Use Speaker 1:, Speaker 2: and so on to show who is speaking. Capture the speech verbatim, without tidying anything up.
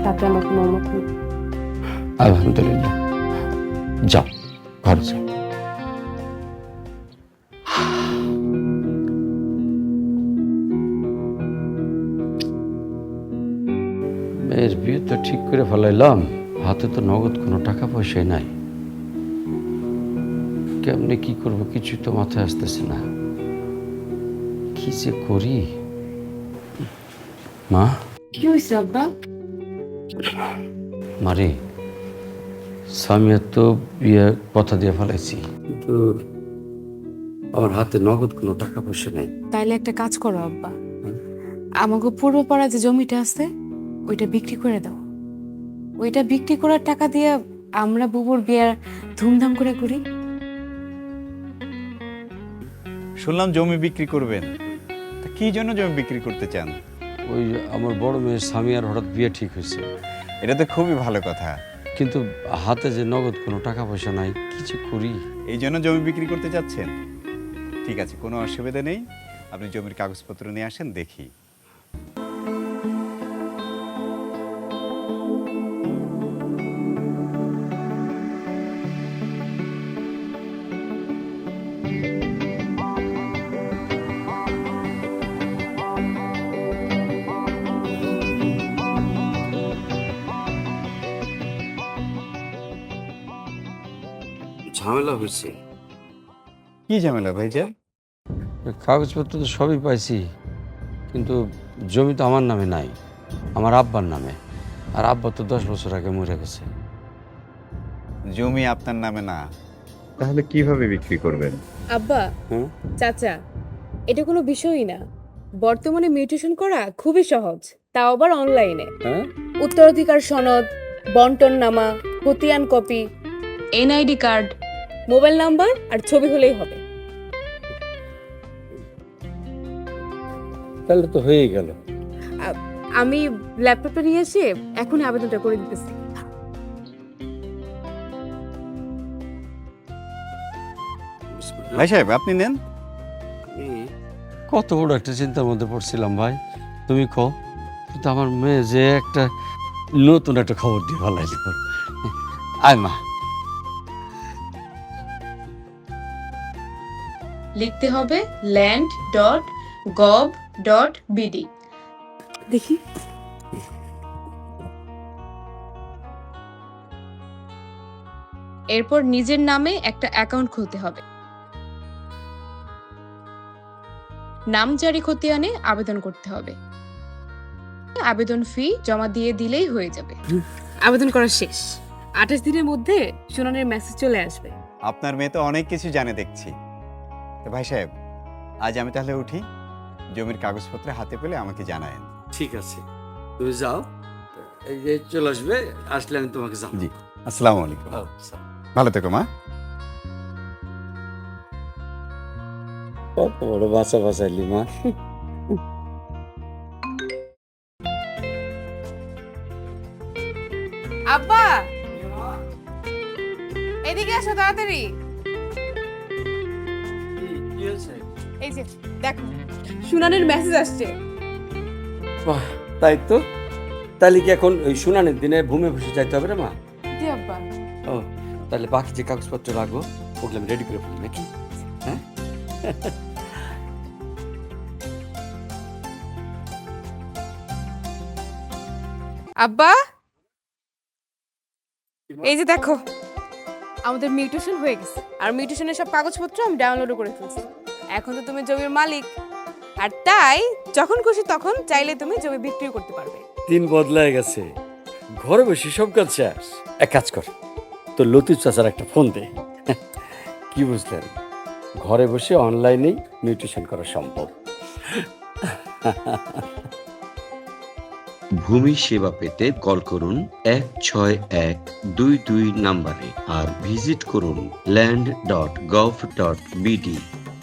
Speaker 1: তাতে আমার কোনো মত নেই।
Speaker 2: আলহামদুলিল্লাহ, যাও ঘরে যাও। মেয়ের বিয়ে তো ঠিক করে ফেলাইলাম, হাতে তো নগদ কোনো টাকা পয়সাই নাই। কেমনে কি করব কিছুই তো মাথায় আসতেছে না। কি যে করি। মা,
Speaker 1: কি হয়েছে আব্বা?
Speaker 2: মারে, সামিয়ার তো বিয়ে কথা দিয়ে ফেলাইছি, কিন্তু আমার হাতে নগদ কোনো টাকা পয়সা নেই।
Speaker 1: তাইলে একটা কাজ করো আব্বা, আমাকে পূর্বপাড়া যে জমিটা আছে ওইটা বিক্রি করে দাও। ওইটা বিক্রি করার টাকা দিয়ে আমরা বুবুর বিয়ার ধুমধাম করে করি।
Speaker 3: শুনলাম জমি বিক্রি করবেন, তা কি জন্য জমি বিক্রি করতে চান?
Speaker 2: ওই আমার বড় মেয়ের সামিয়ার হঠাৎ বিয়ে ঠিক হয়েছে,
Speaker 3: এটা তো খুবই ভালো কথা।
Speaker 2: কিন্তু হাতে যে নগদ কোনো টাকা পয়সা নাই, কি যে করি।
Speaker 3: এই জন্য জমি বিক্রি করতে চাচ্ছেন? ঠিক আছে, কোনো অসুবিধা নেই, আপনি জমির কাগজপত্র নিয়ে আসেন, দেখি।
Speaker 2: ঝামেলা হয়েছে।
Speaker 3: কি ঝামেলা ভাইজান?
Speaker 2: কাগজপত্র তো সবই পাইছি, কিন্তু জমি তো আমার নামে নাই, আমার আব্বার নামে। আর আব্বা তো দশ বছর আগে মরে গেছে।
Speaker 3: জমি আপনার নামে না, তাহলে কিভাবে বিক্রি করবেন?
Speaker 1: আব্বা,
Speaker 2: হুম?
Speaker 1: চাচা, এটা কোনো বিষয়ই না। বর্তমানে মিউটেশন করা খুবই সহজ, তাও আবার অনলাইনে।
Speaker 2: হ্যাঁ,
Speaker 1: উত্তরাধিকার সনদ, বন্টন নামা, খতিয়ান copy, NID card, mobile number আর ছবি হলেই হবে।
Speaker 2: তাহলে তো হয়েই গেল।
Speaker 1: আ- আমি ল্যাপটপটা নিয়ে এসে এখনই আবেদনটা করে দিতেছি।
Speaker 3: ভাই সাহেব, আপনি নেন।
Speaker 2: কত বড় একটা চিন্তার মধ্যে পড়ছিলাম ভাই, তুমি কও। কিন্তু আমার মেয়ে যে একটা নতুন একটা খবর দিয়ে ফেলাইল। আয় মা।
Speaker 4: লিখতে হবে land dot gov dot BD.
Speaker 1: দেখি,
Speaker 4: এরপর নিজের নামে একটা অ্যাকাউন্ট খুলতে হবে। নাম জারি খতিয়ানে আবেদন করতে হবে। আবেদন ফি জমা দিয়ে দিলেই হয়ে যাবে।
Speaker 1: আবেদন করা শেষ। আঠাশ দিনের মধ্যে শুনানির মেসেজ চলে আসবে।
Speaker 3: আপনার মেয়ে তো অনেক কিছু জানে দেখছি। তো ভাই সাহেব, আজ আমি তাহলে উঠি, জমির কাগজপত্র হাতে পেলে আমাকে জানায়েন।
Speaker 2: ঠিক আছে, তুমি যাও, এই যে চলে আসবে, আসলে আমি তোমাকে জানাবো।
Speaker 3: জি, আসসালামু আলাইকুম।
Speaker 2: ও, আচ্ছা।
Speaker 3: ভালো থেকো মা।
Speaker 2: কত বড় বাচ্চা বাঁচাইলি মা।
Speaker 1: আব্বা, এদিকে আসো তাড়াতাড়ি। এই যে দেখো, শুনানির মেসেজ আসছে।
Speaker 2: বাহ, তাই তো। তাহলে কি এখন ওই শুনানির দিনে ভূমি বসে যাইতে হবে রে মা?
Speaker 1: জি আব্বা।
Speaker 2: ও, তাহলে বাকি যে কাগজপত্র রাখবো ওগুলো আমি রেডি করে ফেলি নাকি? হ্যাঁ।
Speaker 1: আব্বা, এই যে দেখো, আমাদের মিউটেশন হয়ে গেছে। আর মিউটেশনের সব কাগজপত্র আমি ডাউনলোড করে ফেলছি। এখন তো তুমি জমির মালিক, আর তাই যখন খুশি তখন চাইলে তুমি জমি বিক্রি করতে পারবে।
Speaker 2: দিন বদলায় গেছে, ঘরে বসে সব কাজ শেষ। এক কাজ কর, তো লতিফ চাচার একটা ফোন দে। কি বুঝলেন, ঘরে বসে অনলাইনেই মিউটেশন করা সম্ভব।
Speaker 5: ভূমি সেবা পেতে কল করুন এক ছয় এক দুই দুই নাম্বারে আর ভিজিট করুন land dot gov dot BD.